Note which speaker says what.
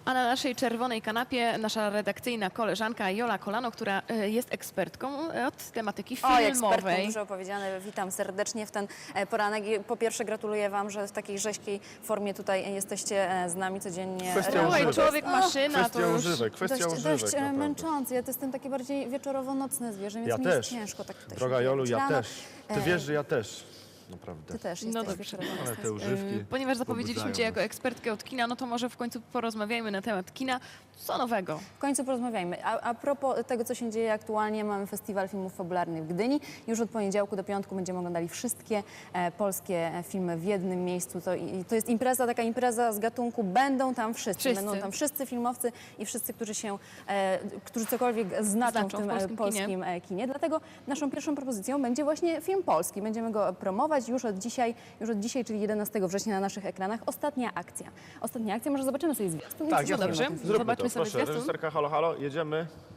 Speaker 1: A na naszej czerwonej kanapie nasza redakcyjna koleżanka Jola Kolano, która jest ekspertką od tematyki
Speaker 2: Oj, ekspertką,
Speaker 1: filmowej.
Speaker 2: dużo powiedziane. Witam serdecznie w ten poranek. I po pierwsze gratuluję Wam, że w takiej rzeźkiej formie tutaj jesteście z nami codziennie.
Speaker 3: Kwestia
Speaker 1: Słuchaj,
Speaker 3: używek.
Speaker 1: człowiek maszyna to
Speaker 3: Kwestia
Speaker 1: już...
Speaker 3: używek, kwestia
Speaker 2: Dość
Speaker 3: używek. naprawdę.
Speaker 2: męczący. Ja to jestem takie bardziej wieczorowo-nocne zwierzę, więc
Speaker 3: Ja
Speaker 2: mi
Speaker 3: też.
Speaker 2: jest ciężko tak tutaj
Speaker 3: Droga
Speaker 2: się
Speaker 3: Jolu,
Speaker 2: wyjawić
Speaker 3: ja
Speaker 2: rano.
Speaker 3: też. Ty wiesz, że ja też. Naprawdę.
Speaker 2: Ty też
Speaker 1: No
Speaker 2: jesteś
Speaker 1: dobrze.
Speaker 2: wieczorowo-nocny.
Speaker 3: Ale te używki
Speaker 1: Ponieważ zapowiedzieliśmy
Speaker 3: pobudzają
Speaker 1: Cię jako
Speaker 3: nas.
Speaker 1: ekspertkę od kina, no to może w końcu porozmawiajmy na temat kina. Co nowego?
Speaker 2: W końcu porozmawiajmy. A propos tego, co się dzieje aktualnie, mamy Festiwal Filmów Fabularnych w Gdyni. Już od poniedziałku do piątku będziemy oglądali wszystkie polskie filmy w jednym miejscu. To jest impreza, taka impreza z gatunku. Będą tam wszyscy.
Speaker 1: Wszyscy.
Speaker 2: Będą tam wszyscy filmowcy i wszyscy, którzy cokolwiek znaczą w tym polskim kinie. Dlatego naszą pierwszą propozycją będzie właśnie film polski. Będziemy go promować już od dzisiaj, czyli 11 września na naszych ekranach. Ostatnia akcja. Może zobaczymy sobie zwiastun.
Speaker 3: Tak,
Speaker 2: Co
Speaker 3: jasne.
Speaker 1: dobrze.
Speaker 2: o tym filmie.
Speaker 3: Zróbmy
Speaker 1: Zobaczmy
Speaker 3: to,
Speaker 1: sobie
Speaker 3: proszę.
Speaker 1: zwiastun.
Speaker 3: Reżyserka, halo, halo, jedziemy.